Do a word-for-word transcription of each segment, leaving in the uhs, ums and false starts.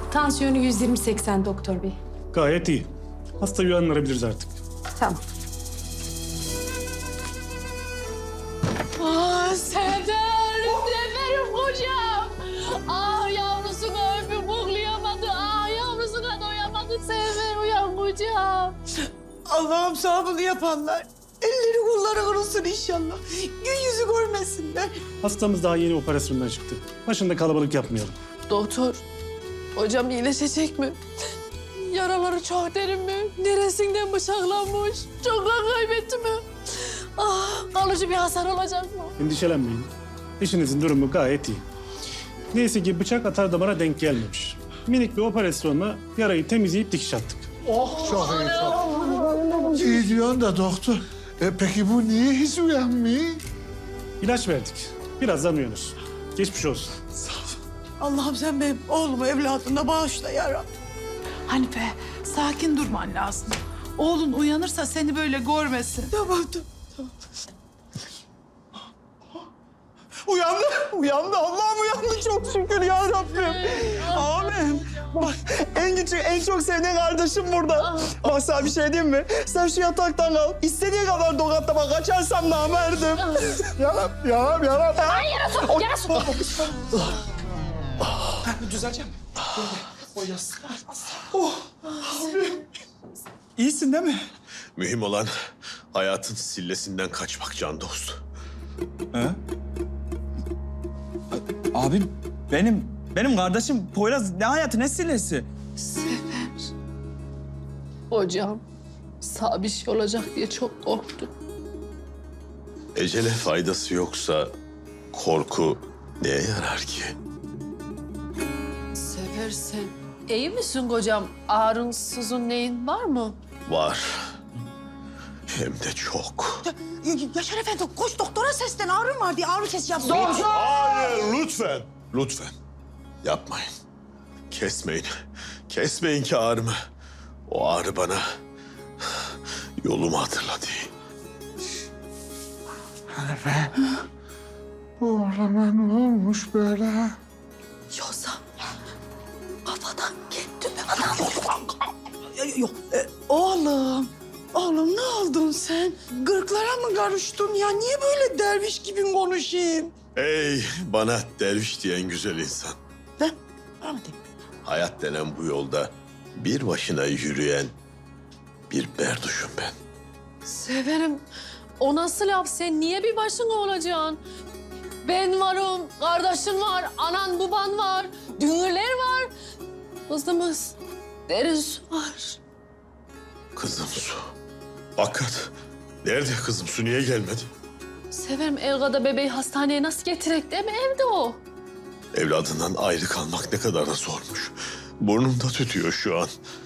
Tansiyonu yüz yirmi seksen doktor bey. Gayet iyi. Hastayı uyandırabiliriz artık. Tamam. Ah Sefer, Seferim kocam. Ah yavrusunu öpüp koklayamadı. Ah yavrusuna doyamadı. Sefer uyan kocam. Allah'ım sağ bunu yapanlar. Elleri kolları kırılsın inşallah. Gün yüzü görmesinler. Hastamız daha yeni operasyondan çıktı. Başında kalabalık yapmayalım. Doktor, hocam iyileşecek mi? Yaraları çok derin mi? Neresinden bıçaklanmış? Çok kan kaybetti mi? Ah, kalıcı bir hasar olacak mı? Endişelenmeyin. Eşinizin durumu gayet iyi. Neyse ki bıçak atar damara denk gelmemiş. Minik bir operasyonla yarayı temizleyip dikiş attık. Çok iyi, çok. İyi diyorsun da doktor. E, peki bu niye hiç uyanmıyor? İlaç verdik. Birazdan uyanır. Geçmiş olsun. Allah'ım sen benim oğlumu evladına bağışla ya Rabbi. Hanife, sakin durman lazım. Oğlun uyanırsa seni böyle görmesin. Tamam tamam. tamam. Uyandı, uyandı. Allah'ım uyandı çok şükür ya Rabbim. Amin. Bak en küçük, en çok sevdiğin kardeşim burada. Bak sana bir şey diyeyim mi? Sen şu yataktan kal. İstediğin kadar dokatlama kaçarsam namerdim. Yaram, yaram, yaram. Ay yarası, yarası. Düzeleceğim. O yaz. Oh. İyisin değil mi? Mühim olan hayatın sillesinden kaçmak can dost. He? Abim benim benim kardeşim Poyraz ne hayatı ne sillesi? Hocam, sağ bir şey olacak diye çok korktum. Ecele faydası yoksa korku neye yarar ki? Sefer sen iyi misin kocam? Ağrın, sızın neyin var mı? Var. Hem de çok. Yaşar Efendi koş doktora seslen. Ağrım var diye ağrı sesi yap. Hayır, lütfen. Lütfen. Yapmayın. Kesmeyin. Kesmeyin ki ağrımı. O ağrı bana yolumu hatırladı. Hanife. Oğluma ne olmuş böyle? Yoksa kafadan gitti mi adam? Yok. E, oğlum. Oğlum ne oldun sen? Gırklara mı karıştın ya? Niye böyle derviş gibi konuşayım? Ey bana derviş diyen güzel insan. Ben? Bana mı diyeyim? Hayat denen bu yolda bir başına yürüyen bir berduşum ben. Severim. O nasıl laf? Sen niye bir başına olacaksın? Ben varım, kardeşin var, anan baban var, dünürler var. Kızımız, derin su var. Kızım Su. Hakikat. Nerede kızım Su? Niye gelmedi? Severim Elga'da bebeği hastaneye nasıl getirek değil mi? Evde o. Evladından ayrı kalmak ne kadar da zormuş. Burnumda tütüyor şu an.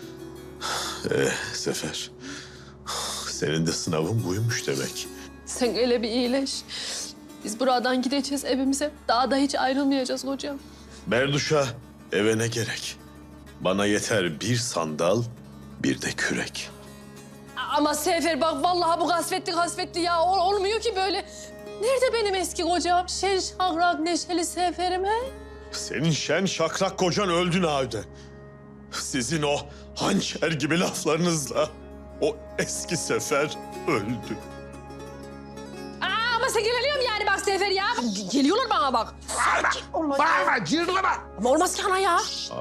Ee, Sefer. Senin de sınavın buymuş demek. Sen öyle bir iyileş. Biz buradan gideceğiz evimize. Daha da hiç ayrılmayacağız hocam. Berduş'a eve ne gerek? Bana yeter bir sandal, bir de kürek. Ama Sefer bak vallahi bu kasvetli kasvetli ya. Ol- olmuyor ki böyle. Nerede benim eski kocam? Şen şakrak neşeli Sefer'im he? Senin şen şakrak kocan öldü Nahide. Sizin o hançer gibi laflarınızla o eski Sefer öldü. Aa, ama sen geliyorum yani bak Sefer ya. G- Geliyorlar bana bak. Bağırma, cırlama. Ama olmaz ki ana ya.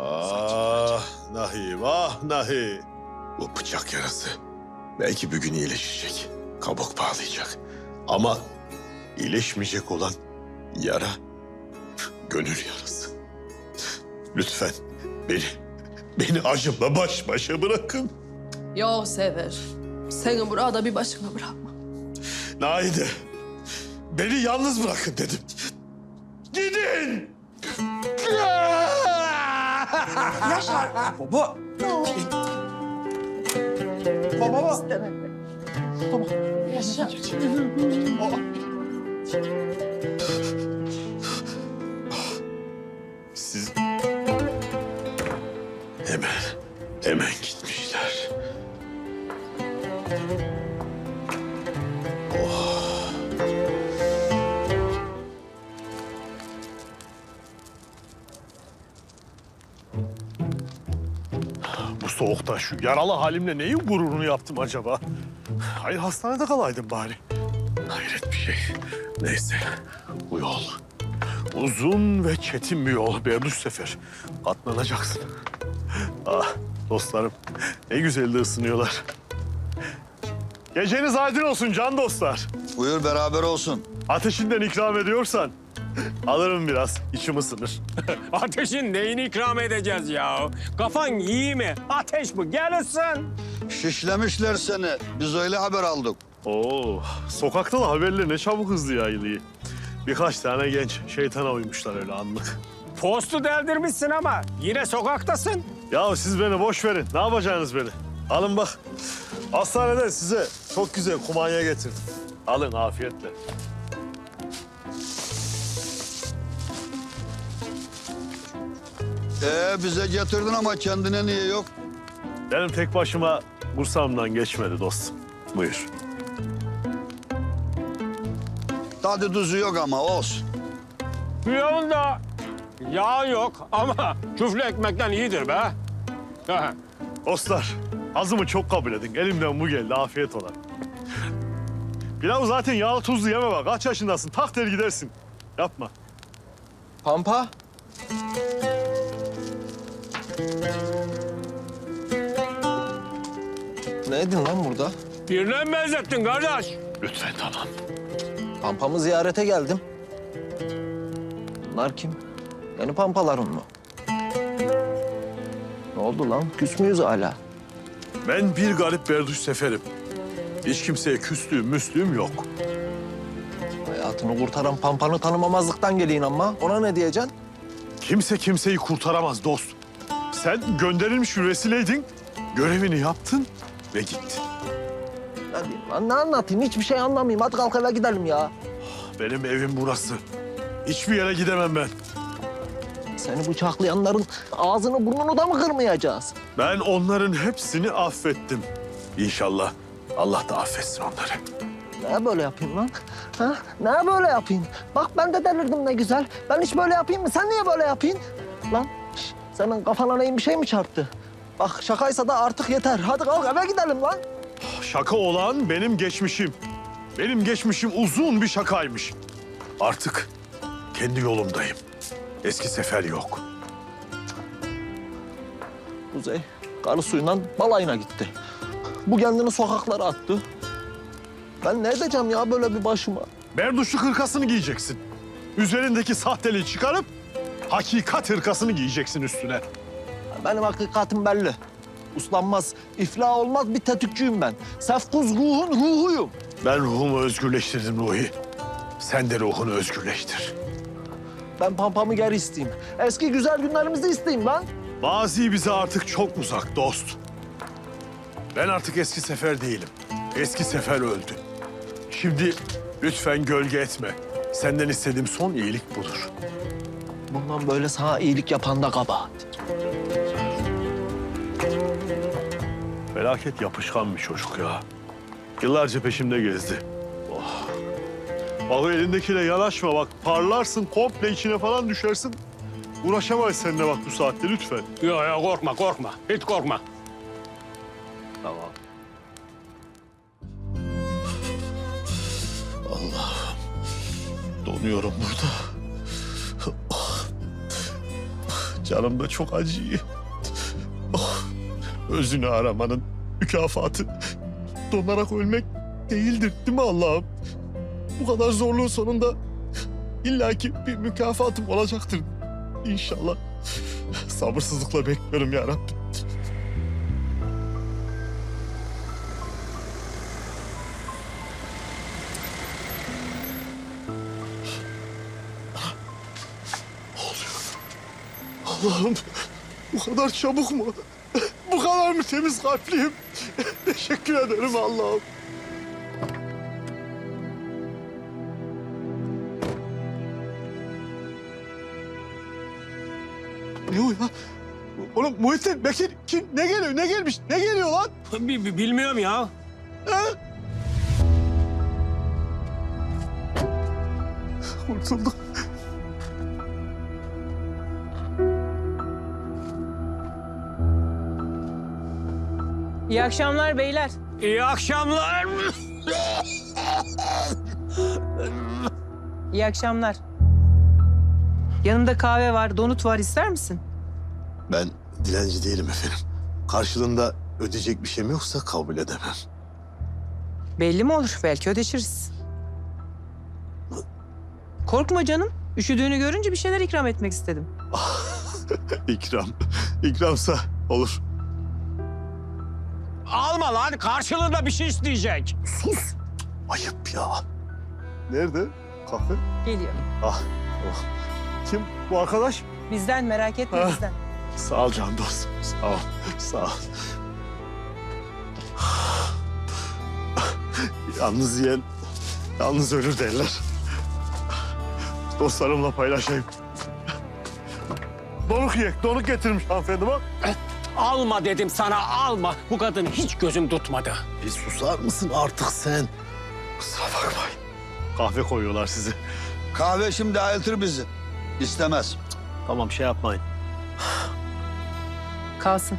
Ah Nahi, vah Nahi. Bu bıçak yarası belki bir gün iyileşecek. Kabuk bağlayacak. Ama iyileşmeyecek olan yara gönül yarası. Lütfen beni, beni acımla baş başa bırakın. Yok Sefer. Seni burada bir başına bırakma. Naide, beni yalnız bırakın dedim. Gidin! Yaşar. Baba. Baba. Tamam. Yaşa. Siz hemen, hemen gitmişler. soğukta şu yaralı halimle neyin gururunu yaptım acaba? Hayır hastanede kalaydım bari. Hayret bir şey. Neyse bu yol uzun ve çetin bir yol Berduş Sefer. Katlanacaksın. Ah dostlarım ne güzel de ısınıyorlar. Geceniz aydın olsun can dostlar. Buyur beraber olsun. Ateşinden ikram ediyorsan alırım biraz, içim ısınır. Ateşin neyini ikram edeceğiz ya? Kafan iyi mi? Ateş bu, gel ısın. Şişlemişler seni. Biz öyle haber aldık. Oo, sokakta da haberler ne çabuk hızlı yayılıyor. Birkaç tane genç şeytana uymuşlar öyle anlık. Postu deldirmişsin ama yine sokaktasın. Ya siz beni boş verin, ne yapacaksınız beni? Alın bak, hastaneden size çok güzel kumanya getirdim. Alın afiyetle. Ee bize getirdin ama kendine niye yok? Benim tek başıma bursağımdan geçmedi dostum. Buyur. Tadı tuzu yok ama olsun. Yolda yağ yok ama küflü ekmekten iyidir be. Dostlar, azımı çok kabul edin. Elimden bu geldi, afiyet ola. Pilavı zaten yağlı tuzlu yeme bak. Kaç yaşındasın? Tak der gidersin. Yapma. Pampa. Ne edin lan burada? Birine mi benzettin kardeş? Lütfen tamam. Pampamı ziyarete geldim. Bunlar kim? Yeni pampaların mı? Ne oldu lan? Küs müyüz hala? Ben bir garip Berduş Sefer'im. Hiç kimseye küslüğüm, müslüğüm yok. Hayatını kurtaran pampanı tanımamazlıktan geliyin ama. Ona ne diyeceksin? Kimse kimseyi kurtaramaz dost. Sen gönderilmiş bir vesileydin, görevini yaptın ve gittin. Ne diyeyim lan? Ne anlatayım? Hiçbir şey anlamayayım. Hadi kalk eve gidelim ya. Benim evim burası. Hiçbir yere gidemem ben. Seni bıçaklayanların ağzını burnunu da mı kırmayacağız? Ben onların hepsini affettim. İnşallah Allah da affetsin onları. Ne böyle yapayım lan? Ha? Ne böyle yapayım? Bak ben de delirdim ne güzel. Ben hiç böyle yapayım mı? Sen niye böyle yapayım? Lan şş, senin kafana neyin bir şey mi çarptı? Bak şakaysa da artık yeter. Hadi kalk eve gidelim lan. Şaka olan benim geçmişim. Benim geçmişim uzun bir şakaymış. Artık kendi yolumdayım. Eski Sefer yok. Kuzey karı suyundan balayına gitti. Bu kendini sokaklara attı. Ben ne edeceğim ya böyle bir başıma? Berduşlu hırkasını giyeceksin. Üzerindeki sahteliği çıkarıp hakikat hırkasını giyeceksin üstüne. Benim hakikatim belli. Uslanmaz, iflah olmaz bir tetikçiyim ben. Sefkuz ruhun ruhuyum. Ben ruhumu özgürleştirdim Ruhi. Sen de ruhunu özgürleştir. Ben pampamı geri isteyeyim. Eski güzel günlerimizi isteyeyim lan. Mazi bize artık çok uzak dost. Ben artık eski Sefer değilim. Eski Sefer öldü. Şimdi lütfen gölge etme. Senden istediğim son iyilik budur. Bundan böyle sana iyilik yapan da kabahat. Felaket yapışkan bir çocuk ya. Yıllarca peşimde gezdi. Oh. Bak o elindekiyle yanaşma bak. Parlarsın, komple içine falan düşersin. Uğraşamayız seninle bak bu saatte lütfen. Yok yok korkma korkma. Hiç korkma. Tamam. Allah'ım. Donuyorum burada. Oh. Canım da çok acıyor. Oh. Özünü aramanın mükafatı donarak ölmek değildir değil mi Allah'ım? Bu kadar zorluğun sonunda illaki bir mükafatım olacaktır inşallah. Sabırsızlıkla bekliyorum ya Rabbim. Allah'ım bu kadar çabuk mu? Bu kadar mı temiz kalpliyim? Teşekkür ederim Allah'ım. Ne o ya? Oğlum Muhittin, Bekir kim? Ne geliyor? Ne gelmiş? Ne geliyor lan? Bi- bi- Bilmiyorum ya. Ha? Kurtulduk. İyi akşamlar beyler. İyi akşamlar. İyi akşamlar. Yanımda kahve var, donut var. İster misin? Ben dilenci değilim efendim. Karşılığında ödeyecek bir şeyim yoksa kabul edemem. Belli mi olur? Belki ödeşiriz. Korkma canım. Üşüdüğünü görünce bir şeyler ikram etmek istedim. İkram. İkramsa olur. Alma lan, karşılığında bir şey isteyecek. Sus. Ayıp ya. Nerede? Kahve? Geliyor. Ah. Oh. Kim bu arkadaş? Bizden merak etme Ha. bizden. Sağ ol can dostum. Sağ ol. Sağ ol. Yalnız yiyen yalnız ölür derler. Dostlarımla paylaşayım. Donuk yiyek, donuk getirmiş hanımefendi bak. Alma dedim sana, alma. Bu kadın hiç gözüm tutmadı. Bir susar mısın artık sen? Kusura bakmayın. Kahve koyuyorlar size. Kahve şimdi ayıltır bizi. İstemez. Tamam şey yapmayın. Kalsın.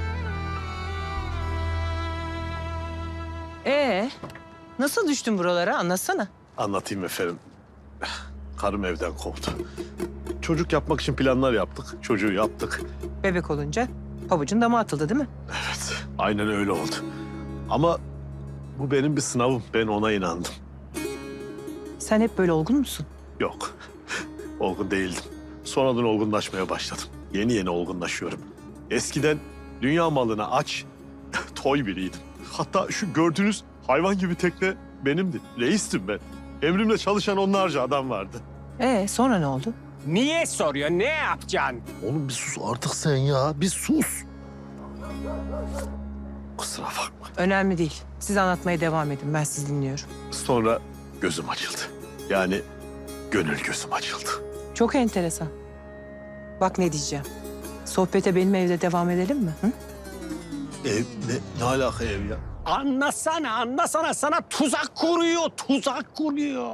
Ee, nasıl düştün buralara? Anlatsana. Anlatayım efendim. Karım evden kovdu. Çocuk yapmak için planlar yaptık. Çocuğu yaptık. Bebek olunca pabucun dama atıldı değil mi? Evet, aynen öyle oldu. Ama bu benim bir sınavım. Ben ona inandım. Sen hep böyle olgun musun? Yok, olgun değildim. Sonradan olgunlaşmaya başladım. Yeni yeni olgunlaşıyorum. Eskiden dünya malına aç, toy biriydim. Hatta şu gördüğünüz hayvan gibi tekne benimdi. Reistim ben. Emrimle çalışan onlarca adam vardı. Ee, sonra ne oldu? Niye soruyor, ne yapacaksın? Oğlum bir sus artık sen ya, bir sus. Kusura bakma. Önemli değil. Siz anlatmaya devam edin. Ben sizi dinliyorum. Sonra gözüm açıldı. Yani gönül gözüm açıldı. Çok enteresan. Bak ne diyeceğim. Sohbete benim evde devam edelim mi? Hı? Ev ne, ne alaka ev ya? Anlasana, anlasana. Sana tuzak kuruyor, tuzak kuruyor.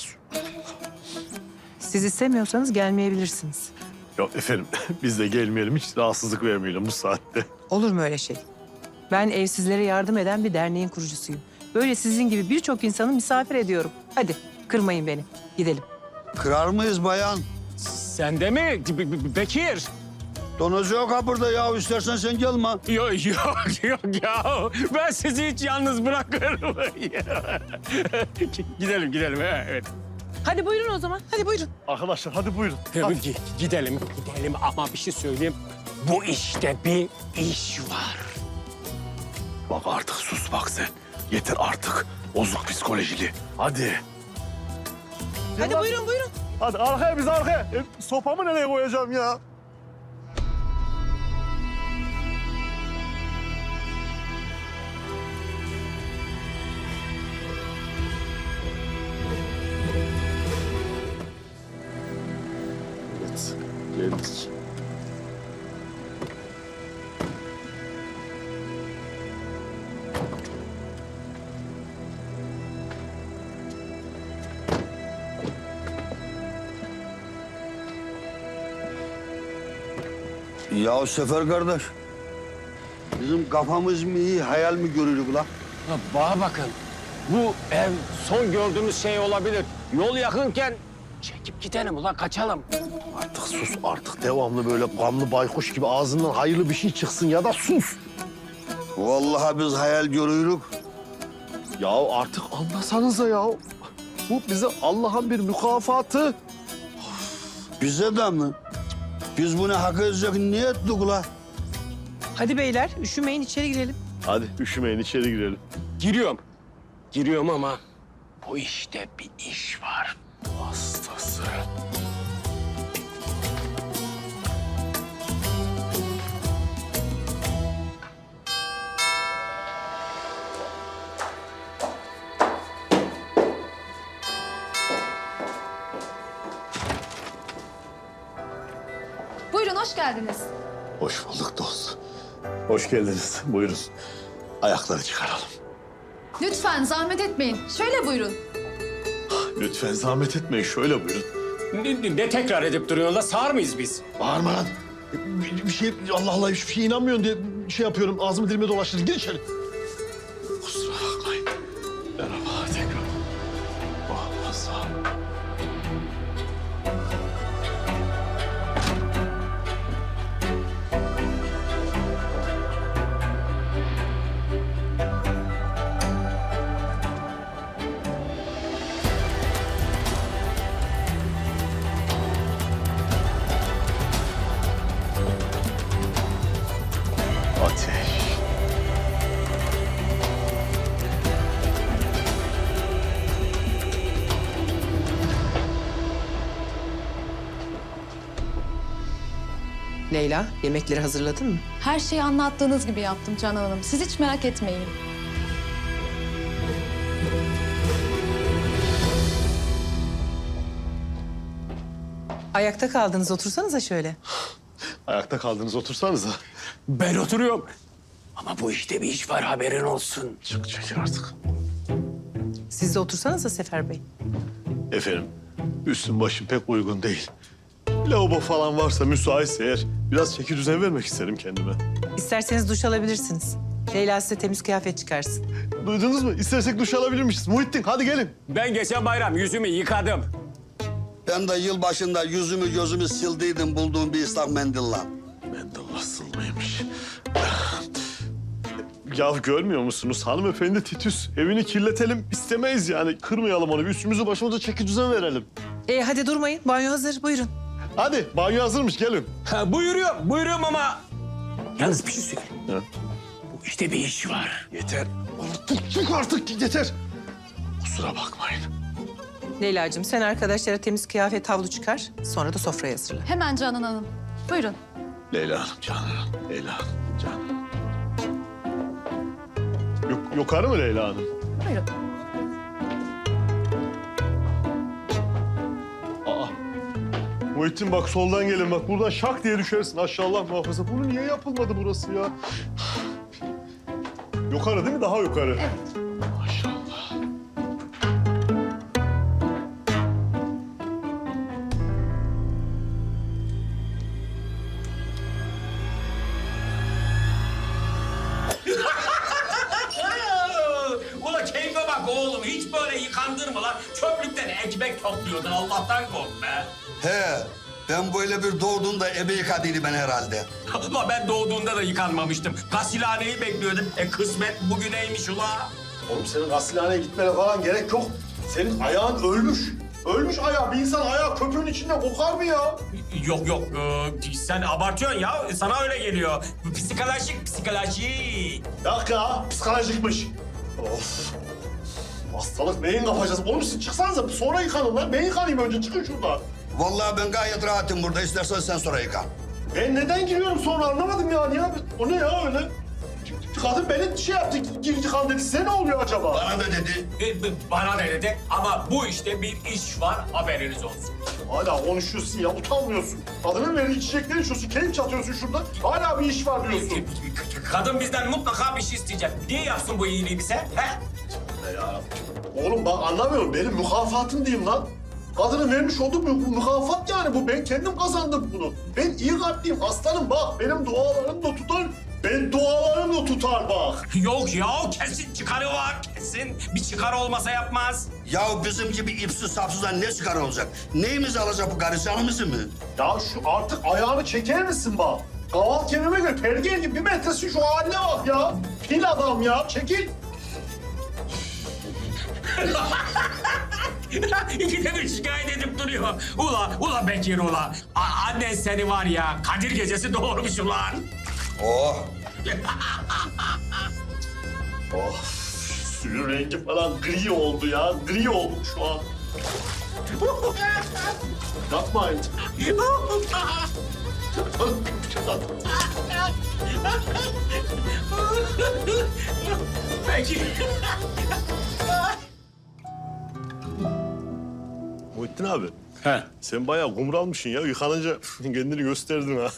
Siz istemiyorsanız gelmeyebilirsiniz. Yok efendim biz de gelmeyelim hiç rahatsızlık vermeyelim bu saatte. Olur mu öyle şey? Ben evsizlere yardım eden bir derneğin kurucusuyum. Böyle sizin gibi birçok insanı misafir ediyorum. Hadi kırmayın beni. Gidelim. Kırar mıyız bayan? Sen de mi Be- Be- Bekir? Donozu yok ha burada ya. İstersen sen gelme. Yok yok yok ya. Ben sizi hiç yalnız bırakırım. gidelim gidelim evet. Hadi buyurun o zaman. Hadi buyurun. Arkadaşlar hadi buyurun. Tabii ki gidelim gidelim ama bir şey söyleyeyim. Bu işte bir iş var. Bak artık sus bak sen. Yeter artık. Bozuk psikolojili. Hadi. Hadi buyurun buyurun. Hadi arkaya biz arkaya. E, sopamı nereye koyacağım ya? Evet, geldik. Ya Sefer kardeş. Bizim kafamız mı iyi, hayal mi görürük la? Ha, bana bakın. Bu ev son gördüğümüz şey olabilir. Yol yakınken çekip gidelim ulan kaçalım. Artık sus artık. Devamlı böyle gamlı baykuş gibi ağzından hayırlı bir şey çıksın ya da sus. Vallahi biz hayal görürük. Ya artık anlasanıza ya. Bu bize Allah'ın bir mükafatı. Bize de mi? Biz bunu hak edecek niye ettik la? Hadi beyler üşümeyin içeri girelim. Hadi üşümeyin içeri girelim. Giriyorum. Giriyorum ama bu işte bir iş var. Hastası. Buyurun hoş geldiniz. Hoş bulduk dost. Hoş geldiniz. Buyurun. Ayakları çıkaralım. Lütfen zahmet etmeyin. Şöyle buyurun. Lütfen zahmet etmeyin. Şöyle buyurun. Ne, ne tekrar edip duruyorsun la? Sağır mıyız biz? Bağırma lan. Bir, bir şey Allah Allah hiçbir şeye inanmıyorsun diye şey yapıyorum. Ağzımı dilime dolaştırdım. Gir içeri. Kusura bakmayın. Merhaba tekrar. Oh, sağ ol. Ateş. Leyla, yemekleri hazırladın mı? Her şeyi anlattığınız gibi yaptım Canan Hanım. Siz hiç merak etmeyin. Ayakta kaldınız, otursanıza şöyle. Ayakta kaldınız, otursanıza. Ben oturuyorum. Ama bu işte bir iş var, haberin olsun. Çık çekil artık. Siz de otursanıza Sefer Bey. Efendim, üstüm başım pek uygun değil. Lavabo falan varsa müsaitse eğer biraz çeki düzen vermek isterim kendime. İsterseniz duş alabilirsiniz. Leyla size temiz kıyafet çıkarsın. Duydunuz mu? İstersek duş alabilirmişiz. Muhittin hadi gelin. Ben geçen bayram yüzümü yıkadım. Ben de yılbaşında yüzümü gözümü sildiydim bulduğum bir ıslak mendille. Mendil nasıl mıymış? Ya görmüyor musunuz hanımefendi Titüs? Evini kirletelim istemeyiz yani. Kırmayalım onu. Bir üstümüzü başımıza çeki düzen verelim. E hadi durmayın, banyo hazır, buyurun. Hadi banyo hazırmış gelin. Ha, buyuruyorum, buyuruyorum ama... Yalnız bir şey söyleyeyim. Ha? Bu işte bir iş var. Yeter. Artık çık artık yeter. Kusura bakmayın. Leyla'cığım sen arkadaşlara temiz kıyafet havlu çıkar, sonra da sofraya hazırla. Hemen Canan Hanım. Buyurun. Leyla Hanım, Canan Hanım. Leyla Hanım, Canan Hanım. Yok, yukarı mı Leyla Hanım? Buyurun. Aa. Muhittin bak soldan gelin bak. Buradan şak diye düşersin aşağılar muhafaza. Bunu niye yapılmadı burası ya? Yukarı değil mi? Daha yukarı. Evet. Maşallah. Ula keyfe bak oğlum, hiç böyle yıkandın mı lan? Çöplükten ekmek topluyordun, Allah'tan kork be. He, ben böyle bir doğduğumda ebe yıkadıydı ben herhalde. Ama ben doğduğunda da yıkanmamıştım. Gasilhaneyi bekliyordum. E kısmet bugüneymiş ula. Oğlum senin gasilhaneye gitmene falan gerek yok. Senin ayağın ölmüş. Ölmüş ayağı. Bir insan ayağı köpüğün içinde kokar mı ya? Yok yok, ee, sen abartıyorsun ya. Sana öyle geliyor. Psikolojik, psikolojik. Yok ya, psikolojikmiş. Of. Hastalık neyin kapacağız? Oğlum siz çıksanıza sonra yıkanın lan. Ben yıkanayım önce, çıkın şuradan. Vallahi ben gayet rahatım burada. İstersen sen sonra yıka. Ben neden giriyorum sonra anlamadım yani ya. O ne ya öyle? Kadın beni şey yaptı, gir yıkan dedi. Size ne oluyor acaba? Bana da dedi. E, bana da dedi ama bu işte bir iş var, haberiniz olsun. Hala konuşuyorsun ya, utanmıyorsun. Kadının verdiği çiçekleri içiyorsun, keyif çatıyorsun şurada. Hala bir iş var diyorsun. Kadın bizden mutlaka bir şey isteyecek. Niye yapsın bu iyiliği bize? He? Ne ya? Oğlum bak anlamıyorum, benim mükafatım diyeyim lan. Kadının vermiş olduğu mü- mükafat yani bu. Ben kendim kazandım bunu. Ben iyi kalpliyim, aslanım bak. Benim dualarım da tutar. Ben dualarım da tutar bak. Yok ya, kesin çıkarı var, kesin. Bir çıkar olmasa yapmaz. Ya bizim gibi ipsiz sapsızdan ne çıkar olacak? Neyimizi alacak bu karı, canımızı mı? Ya şu artık ayağını çeker misin bak? Kaval kemime göre pergel gibi bir metresi şu haline bak ya. Fil adam ya, çekil. İkide bir şikayet edip duruyor. Ula, ula Bekir ula. A- annen seni var ya, Kadir gecesi doğurmuş ulan. Oh. Oh, suyun rengi falan gri oldu ya. Gri oldu şu an. Yapmayın. Bekir. Muhittin abi. He. Sen bayağı kumralmışsın ya. Yıkanınca kendini gösterdin ha.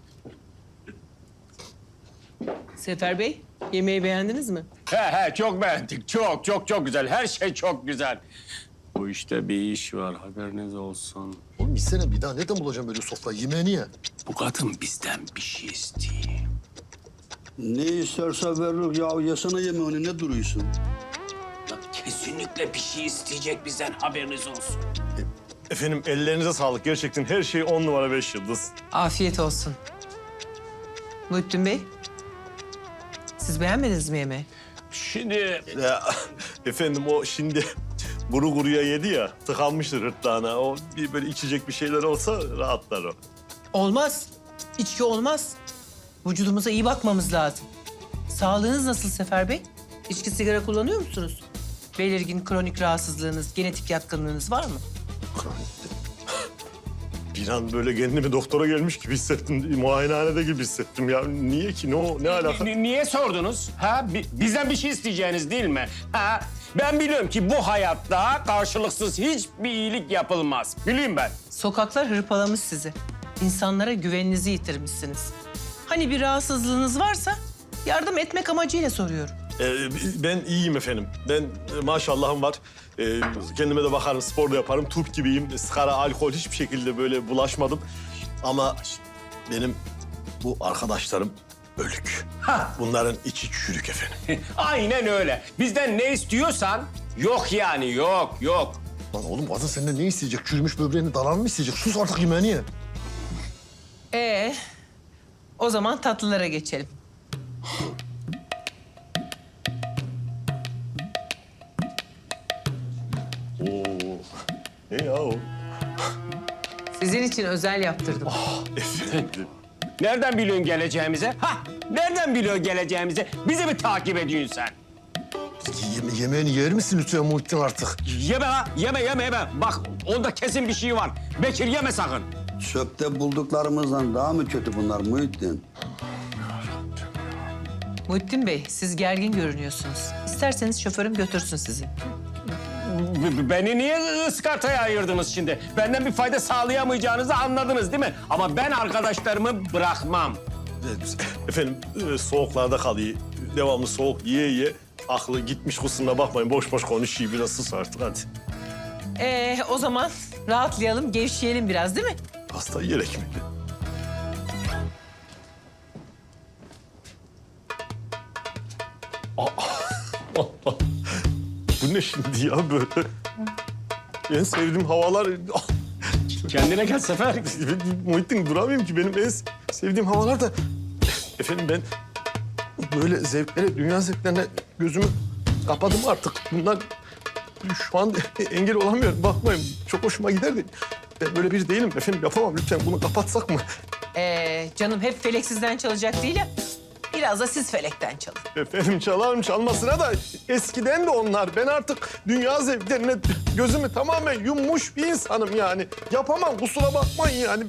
Sefer Bey, yemeği beğendiniz mi? He he, çok beğendik. Çok çok çok güzel. Her şey çok güzel. Bu işte bir iş var, haberiniz olsun. Oğlum gitsene bir daha. Nereden bulacağım böyle sofra? Yemeğini ye. Bu kadın bizden bir şey istiyor. Ne isterse veririk ya. Yesene yemeğini, ne duruyorsun? Lan kesinlikle bir şey isteyecek bizden, haberiniz olsun. Efendim ellerinize sağlık. Gerçekten her şey on numara beş yıldız. Afiyet olsun. Muhittin Bey, siz beğenmediniz mi yemeği? Şimdi... Ya, efendim o şimdi kuru kuruya yedi ya, tıkanmıştır hırtlağına. O bir böyle içecek bir şeyler olsa rahatlar o. Olmaz. İçki olmaz. Vücudumuza iyi bakmamız lazım. Sağlığınız nasıl Sefer Bey? İçki, sigara kullanıyor musunuz? Belirgin kronik rahatsızlığınız, genetik yatkınlığınız var mı? Bir an böyle kendimi doktora gelmiş gibi hissettim. Muayenehanede gibi hissettim ya. Niye ki? Ne, o- ne alaka? Ni- niye sordunuz? Ha? Bi- bizden bir şey isteyeceğiniz değil mi? Ha? Ben biliyorum ki bu hayatta karşılıksız hiçbir iyilik yapılmaz. Bileyim ben. Sokaklar hırpalamış sizi. İnsanlara güveninizi yitirmişsiniz. Hani bir rahatsızlığınız varsa yardım etmek amacıyla soruyorum. Ee, ben iyiyim efendim. Ben e, maşallahım var. Ee, kendime de bakarım, spor da yaparım. Turp gibiyim. Sigara, alkol hiçbir şekilde böyle bulaşmadım. Ama benim bu arkadaşlarım ölük. Bunların içi çürük efendim. Aynen öyle. Bizden ne istiyorsan yok yani, yok, yok. Lan oğlum kadın senden ne isteyecek? Çürümüş böbreğini dalan mı isteyecek? Sus artık, yemeğini ye. Ee, o zaman tatlılara geçelim. Oo. Ne ya o? Sizin için özel yaptırdım. Efendim. Nereden biliyorsun geleceğimize? Ha? Nereden biliyorsun geleceğimize? Bizi mi takip ediyorsun sen? Yeme yemeğini yer misin lütfen Muhittin artık? Yeme ha, yeme, yeme, yeme. Bak, onda kesin bir şey var. Bekir yeme sakın. Çöpte bulduklarımızdan daha mı kötü bunlar Muhittin? Muhittin Bey, siz gergin görünüyorsunuz. İsterseniz şoförüm götürsün sizi. B- b- Beni niye ıskartaya ayırdınız şimdi? Benden bir fayda sağlayamayacağınızı anladınız değil mi? Ama ben arkadaşlarımı bırakmam. Efendim e, soğuklarda kalıyor. Devamlı soğuk yiye yiye. Aklı gitmiş, kusuruna bakmayın. Boş boş konuşuyor. Biraz sus artık hadi. Ee, o zaman rahatlayalım, gevşeyelim biraz değil mi? Hasta yiyerek mi? Aa! Bu ne şimdi ya böyle? En sevdiğim havalar... Kendine gel Sefer. Muhittin duramıyorum ki. Benim en sevdiğim havalar da... Efendim ben böyle zevklere, dünya zevklerine gözümü kapadım artık. Bunlar şu an engel olamıyorum. Bakmayın çok hoşuma gider de. Ben böyle biri değilim efendim. Yapamam lütfen. Bunu kapatsak mı? Ee, canım hep felek sizden çalacak değil ya. Biraz da siz felekten çalın. Efendim çalarım çalmasına da eskiden de onlar. Ben artık dünya zevklerine gözümü tamamen yummuş bir insanım yani. Yapamam kusura bakmayın yani.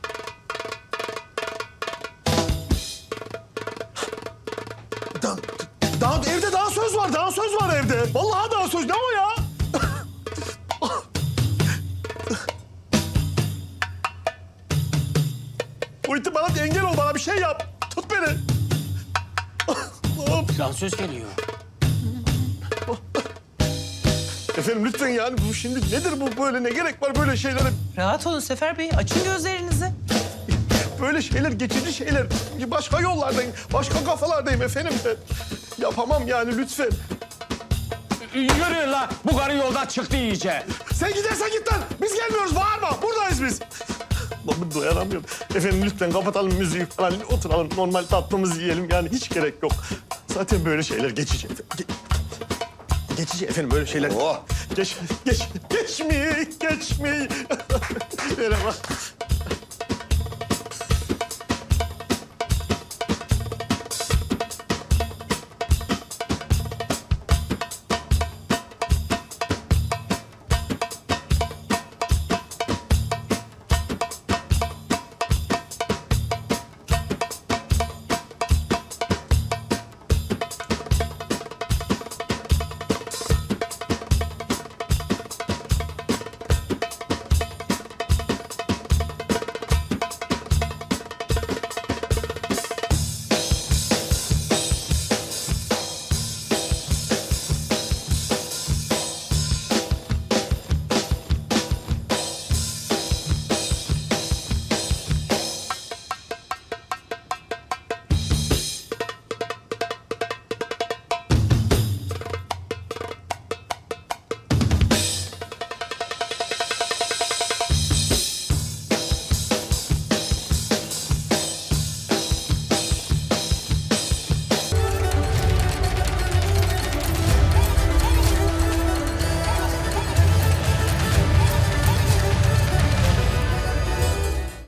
Daha, daha evde daha söz var, daha söz var evde. Vallahi daha söz. Ne o ya? Muhittin bana engel ol, bana bir şey yap. Tut beni. Allah'ım. Dansöz geliyor. Efendim lütfen yani bu şimdi nedir bu böyle, ne gerek var böyle şeylere? Rahat olun Sefer Bey, açın gözlerinizi. Böyle şeyler geçici şeyler. Başka yollardayım, başka kafalardayım efendim ben. Yapamam yani lütfen. Yürüyün la. Bu karı yoldan çıktı iyice. Sen gidersen git lan. Biz gelmiyoruz, bağırma. Buradayız biz. Lan dayanamıyorum. Efendim lütfen kapatalım müziği falan. Oturalım normal tatlımızı yiyelim. Yani hiç gerek yok. Zaten böyle şeyler geçici. Ge- geçici efendim böyle şeyler. Oh. Geç, geç, geçmeyi, geçmeyi. Merhaba.